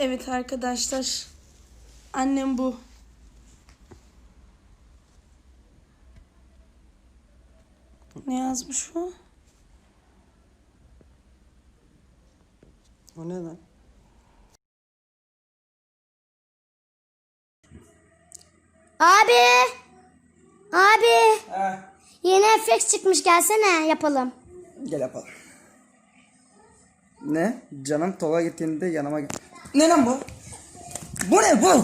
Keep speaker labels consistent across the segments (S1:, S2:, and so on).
S1: Evet arkadaşlar. Annem bu. Ne yazmış bu?
S2: O ne lan?
S3: Abi. Yeni efekt çıkmış, gelsene yapalım.
S2: Gel yapalım. Ne? Canım Tolga gittiğinde yanıma git. Ne lan bu? Bu ne bu?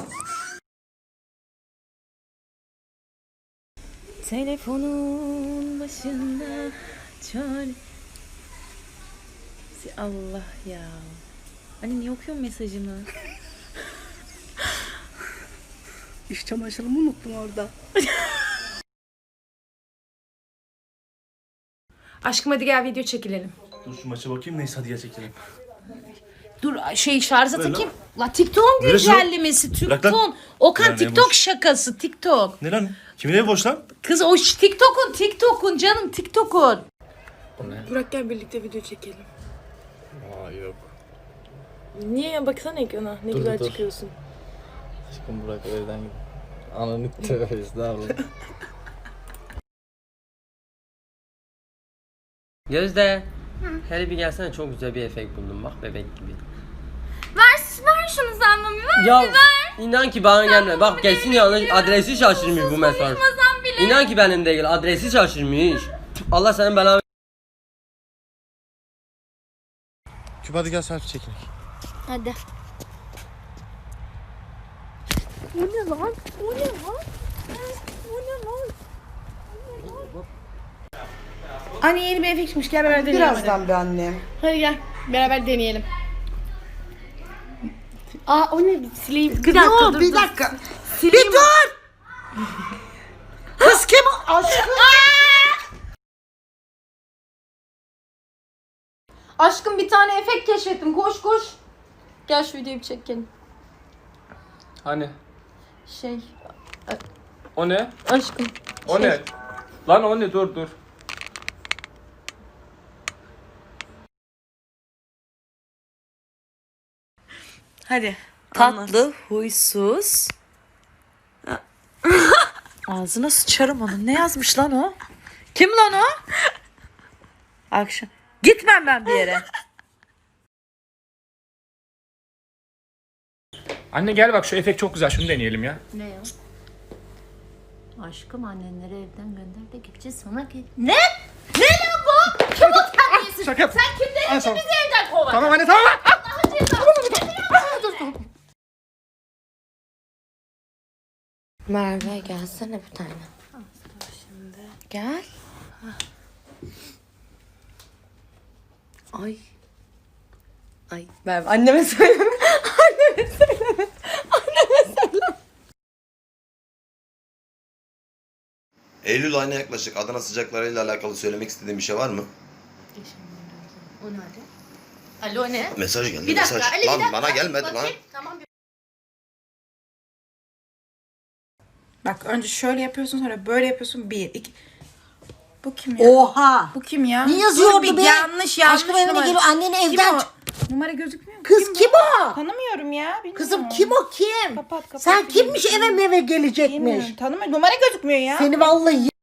S4: Telefonun başında çare. Allah ya. Anne niye okuyorsun mesajımı?
S2: İş çamaşırımı unuttum orada.
S4: Aşkım hadi gel video çekilelim.
S5: Dur şu maça bakayım, neyse hadi gel çekelim.
S4: Dur şarja
S5: Böyle
S4: takayım. La TikTok'un
S5: Böyle şu-
S4: güncellemesi.
S5: Bırak lan.
S4: Okan
S5: Yani
S4: TikTok
S5: boş.
S4: şakası TikTok.
S5: Ne lan? Kimin evi boş lan?
S4: Kız o TikTok'un canım TikTok'un.
S1: Burak gel birlikte video çekelim.
S6: Aa yok.
S1: Niye ya? Baksana ekrana. Ne güzel
S6: dur.
S1: çıkıyorsun.
S6: Aşkım Burak öğleden gibi. Ananı tövbe estağfurullah.
S7: Gözde. Hele bir gelsene, çok güzel bir efekt buldum bak, bebek gibi.
S3: Ver şunu sen mami, ver.
S7: Ya inan ki bana gelme. Bak gelsin yanlış adresi şaşırmış bu mesaj. İnan ki benim değil, adresi şaşırmış. Allah senin belanı.
S6: Küp hadi gel selfie çekin.
S3: Hadi.
S4: Anne yeni bir efekt çıkmış, gel beraber deneyelim.
S2: Birazdan be annem.
S4: Hadi gel beraber deneyelim. Aa o ne, sileyim.
S2: Bir dakika. Bir dur. Kız kim o? Aşkım.
S1: Aşkım bir tane efekt keşfettim. Koş koş. Gel şu videoyu bir çekelim.
S6: Hani?
S1: Şey.
S6: O ne?
S1: Aşkım.
S6: O ne? Lan o ne? Dur.
S4: Hadi. Tatlı, huysuz. Ağzına sıçarım onun. Ne yazmış lan o? Kim lan o? Akşam. Gitmem ben bir yere.
S8: Anne gel bak, şu efekt çok güzel, şunu deneyelim ya.
S9: Ne ya? Aşkım annenleri evden gönder de gideceğiz sonra ki.
S4: Ne lan bu? Kim o terbiyesiz?
S8: Şaka yap.
S4: Sen kimden ikimizi evden kovar?
S8: Tamam anne, tamam.
S9: Merve gelsene bir tane. Şimdi. Gel. Ay. Ay Merve anneme söyleme. Anneme söyleme.
S10: Eylül ayına yaklaşık. Adana sıcaklarıyla alakalı söylemek istediğin bir şey var mı?
S9: O nerede? Alo ne?
S10: Mesaj geldi.
S9: Bir dakika,
S10: mesaj.
S9: Ali, bir
S10: Lan
S9: dakika.
S10: bana gelmedi lan.
S9: Bakayım, tamam.
S11: Bak önce şöyle yapıyorsun, sonra böyle yapıyorsun. 1, 2. Bu kim ya?
S2: Oha.
S11: Bu kim ya?
S2: Ne yazıyordu
S11: Dur,
S2: be?
S11: Yanlış
S2: Aşkım evine
S11: numara.
S2: geliyor, anneni
S11: Kim
S2: evden
S11: o?
S2: çık-
S11: Numara gözükmüyor mu?
S2: Kız kim o?
S11: Tanımıyorum ya. Bilmiyorum.
S2: Kızım kim o kim?
S11: Kapat.
S2: Sen kimmiş eve meve gelecekmiş?
S11: Bilmiyorum. Tanımıyorum. Numara gözükmüyor ya.
S2: Seni vallahi